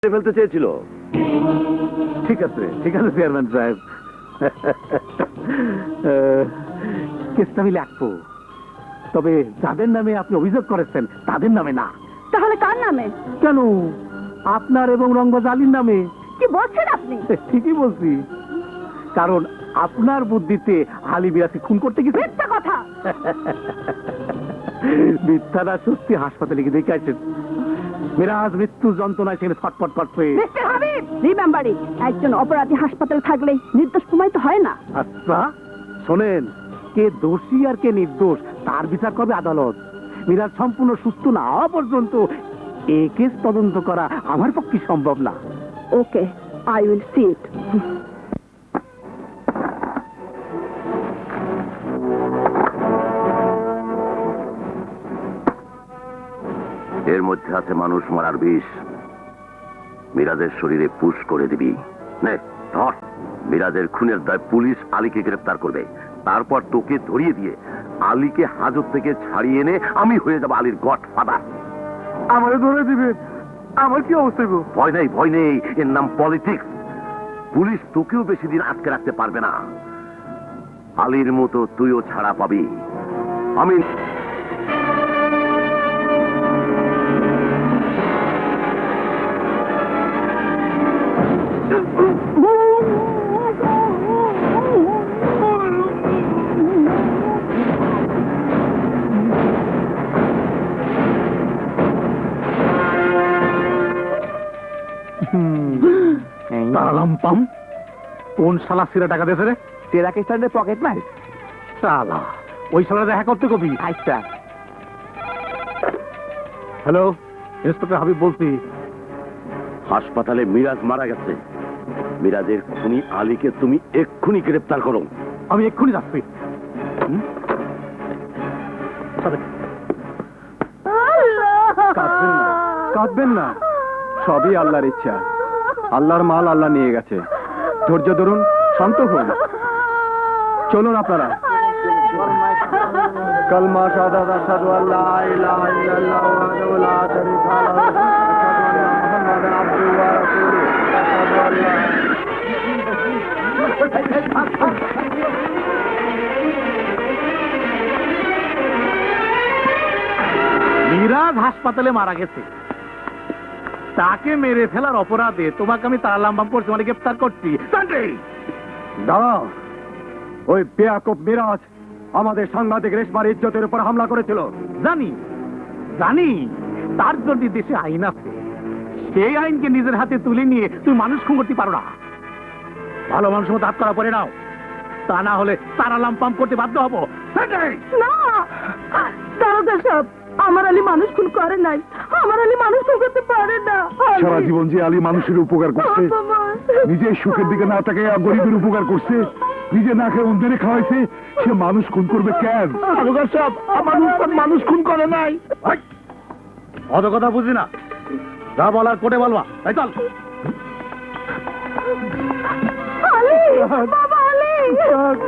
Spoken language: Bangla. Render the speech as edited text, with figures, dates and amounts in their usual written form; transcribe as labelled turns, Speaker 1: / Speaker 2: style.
Speaker 1: ফেলতে চেয়েছিল।
Speaker 2: ঠিক আছে চেয়ারম্যান সাহেব, কেসটা আমি লিখবো, তবে যাদের নামে আপনি অভিযোগ করেছেন তাদের নামে না।
Speaker 3: তাহলে কার নামে?
Speaker 2: কেন, আপনার এবং রঙ্গজ আলীর নামে।
Speaker 3: কি বলছেন আপনি?
Speaker 2: ঠিকই বলছি, কারণ আপনার বুদ্ধিতে আলী মিরাজকে খুন করতে গেছে।
Speaker 3: মিথ্যা কথা।
Speaker 2: মিথ্যাটা সত্যি। হাসপাতালে গিয়ে দেখে আসেন, মিরাজ মৃত্যুর যন্ত্রণায় সেখানে ছটফট করছে।
Speaker 3: মিস্টার হাবিব, রিমেম্বার ইট, একজন অপরাধী হাসপাতালে থাকলে নির্দোষ প্রমাণিত হয় না।
Speaker 2: আচ্ছা শোনেন, কে দোষী আর কে নির্দোষ তার বিচার করবে আদালত। মিরাজ সম্পূর্ণ সুস্থ না হওয়া পর্যন্ত এই কেস তদন্ত করা আমার পক্ষে সম্ভব না।
Speaker 3: Okay, I will see it.
Speaker 1: এর মধ্যে আছে মানুষ মারার বিষ। মিরাজের শরীরে পুশ করে দিবি। নে ধর। মিরাজের খুনের দায় পুলিশ আলীকে গ্রেফতার করবে, তারপর তোকে ধরিয়ে দিয়ে আলীকে হাজত থেকে ছাড়িয়ে এনে আমি হয়ে যাব আলীর গডফাদার।
Speaker 2: আমারে ধরে দিবেন, আমার কি অবস্থা গো?
Speaker 1: ভয় নেই, এর নাম পলিটিক্স। পুলিশ তোকেও বেশি দিন আটকে রাখতে পারবে না। আলীর মতো তুইও ছাড়া পাবি। আমি
Speaker 2: তারালাম কোন শালা সিরা টাকা দিয়েছে রে? তেরা কিস্টানের পকেট মার শালা। ওই শালা দেখা করতে কবি। আচ্ছা, হ্যালো, ইন্সপেক্টর হাবিব বলছি।
Speaker 1: হাসপাতালে মিরাজ মারা গেছে। মিরাজের খুনি আলীকে তুমি এক্ষুনি গ্রেফতার করো।
Speaker 2: আমি এক্ষুনি যাচ্ছি। কাঁদবেন না, সবই আল্লাহর ইচ্ছা। আল্লাহর মাল আল্লাহ নিয়ে গেছে। ধৈর্য ধরুন, শান্ত হন। চলুন আপনারা। কালমা শাহাদাত আশহাদু আল্লা ইলাহা ইল্লাল্লাহু ওয়াহদাহু লা শারীকা লাহু ওয়া আশহাদু আন্না মুহাম্মাদান আবদুহু ওয়া রাসূলুহু। আশহাদু আল্লা মিরাজ হাসপাতালে মারা গেছে, তাকে মেরে ফেলার অপরাধে তোমাকে আমি তারালাম করছি, মানে গ্রেফতার করছি। দাঁড়াও, ওই বেয়াকুব মিরাজ আমাদের সাংবাদিক রেশমার ইজ্জতের উপর হামলা করেছিল। জানি, তার জন্য দেশে আইন আছে। সেই আইনকে নিজের হাতে তুলে নিয়ে তুমি মানুষ খুন করতে পারো না। ভালো মানুষের মতো হাত করা পড়ে নাও, তা না হলে তারালাম পাম্প করতে বাধ্য হবো।
Speaker 3: না, দারোগা সাহেব, আমার আলী মানুষ খুন করে নাই। আমার আলী মানুষ খুন করতে পারে না।
Speaker 4: সারা জীবন যে আলী মানুষের উপকার করছে, নিজের সুখের দিকে না তাকে গরিবের উপকার করছে, নিজে না খেয়ে অন্যের খাওয়াইছে, সে মানুষ খুন করবে কেন?
Speaker 2: মানুষ খুন করে নাই। অত কথা বুঝি না, যা বলার কোটে বলবা। তাই চল।
Speaker 3: আলী